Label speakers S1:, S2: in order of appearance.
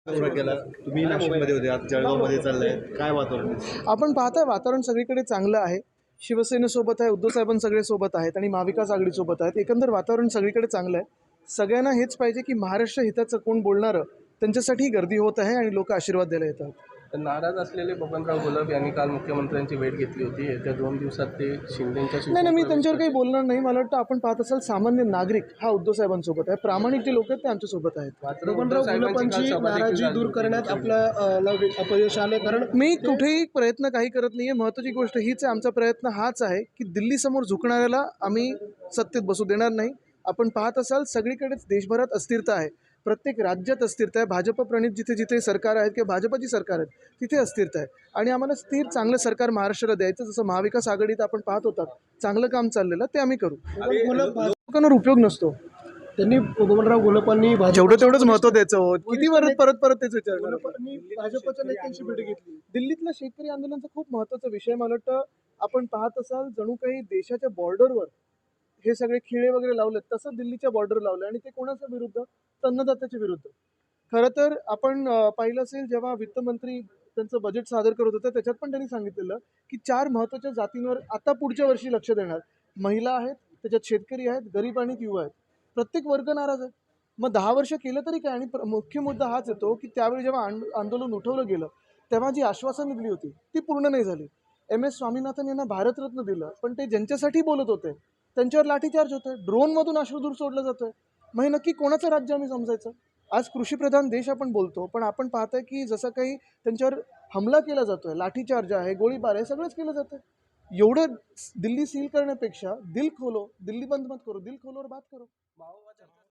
S1: दौरा केला तुम्ही नाशिकमध्ये होते, आज जळगावमध्ये चाललाय, काय वातावरण आहे?
S2: आपण पाहताय वातावरण सगळीकडे चांगलं आहे. शिवसेनेसोबत आहे, उद्धव साहेबांनी सगळे सोबत आहेत आणि महाविकास आघाडीसोबत आहेत. एकंदर वातावरण सगळीकडे चांगलं आहे. सगळ्यांना हेच पाहिजे की महाराष्ट्र हिताचं कोण बोलणारं त्यांच्यासाठी गर्दी होत आहे आणि लोक आशीर्वाद द्यायला येतात.
S3: नाराज असलेले बबनराव घोलप यांनी काल मुख्यमंत्र्यांची भेट घेतली होती. येत्या 2 दिवसात ते शिंदेंच्या
S2: नाही, मी त्यांच्यावर काही बोलणार नाही. मला वाटतं आपण पाहत असाल सामान्य नागरिक हा उद्धव साहेबांसोबत आहे. प्रामाणिक जे लोक आहेत ते आमच्यासोबत आहेत.
S3: बबनराव घोलपांची नाराजी दूर करण्यात आपलं अपयश आले, कारण
S2: मी कुठेही प्रयत्न काही करत नाहीये. महत्त्वाची गोष्ट हीच आहे, आमचा प्रयत्न हाच आहे की दिल्लीसमोर झुकणाऱ्याला आम्ही सत्तेत बसू देणार नाही. आपण पाहत असाल सगळीकडेच देशभरात अस्थिरता आहे, प्रत्येक राज्यात अस्थिरता आहे. भाजप प्रणित जिथे जिथे सरकार आहेत किंवा भाजपची सरकार आहेत तिथे अस्थिरता आहे आणि आम्हाला स्थिर चांगलं सरकार महाराष्ट्राला द्यायचं. जसं महाविकास आघाडीत आपण पाहत होतात चांगलं काम चाललेलं ते आम्ही करू. लोकांवर उपयोग नसतो.
S3: त्यांनी बबनराव घोलपांनी
S2: जेवढं तेवढंच महत्त्व द्यायचं होत. किती परत तेच विचारणार.
S3: भाजपच्या नेत्यांशी भेट घेतली.
S2: दिल्लीतलं शेतकरी आंदोलनाचा खूप महत्त्वाचा विषय. मला वाटतं आपण पाहत असाल जणू काही देशाच्या बॉर्डरवर हे सगळे खिळे वगैरे लावलेत, तसं दिल्लीच्या बॉर्डर लावलं आणि ते कोणाच्या विरुद्ध? अन्नदात्याच्या विरुद्ध. खरं तर आपण पाहिलं असेल जेव्हा वित्तमंत्री त्यांचं बजेट सादर करत होतं त्याच्यात पण त्यांनी सांगितलेलं की 4 महत्त्वाच्या जातींवर आता पुढच्या वर्षी लक्ष देणार. महिला आहेत, त्याच्यात शेतकरी आहेत, गरीब आणि युवा आहेत. प्रत्येक वर्ग नाराज आहे. मग 10 वर्ष केलं तरी काय? आणि मुख्य मुद्दा हाच येतो की त्यावेळी जेव्हा आंदोलन उठवलं गेलं तेव्हा जी आश्वासनं दिली होती ती पूर्ण नाही झाली. MS स्वामीनाथन यांना भारतरत्न दिलं, पण ते ज्यांच्यासाठी बोलत होते त्यांच्यावर लाठीचार्ज होतोय, ड्रोनमधून अश्रुधूर सोडलं जातोय. मग हे नक्की कोणाचं राज्य आम्ही समजायचं? आज कृषीप्रधान देश आपण बोलतो, पण आपण पाहतोय की जसं काही त्यांच्यावर हमला केला जातोय, लाठीचार्ज आहे, गोळीबार आहे, सगळंच केलं जातं. एवढं दिल्ली सील करण्यापेक्षा दिल खोलो, दिल्ली बंद मत करो, दिल खोलो और बात करो.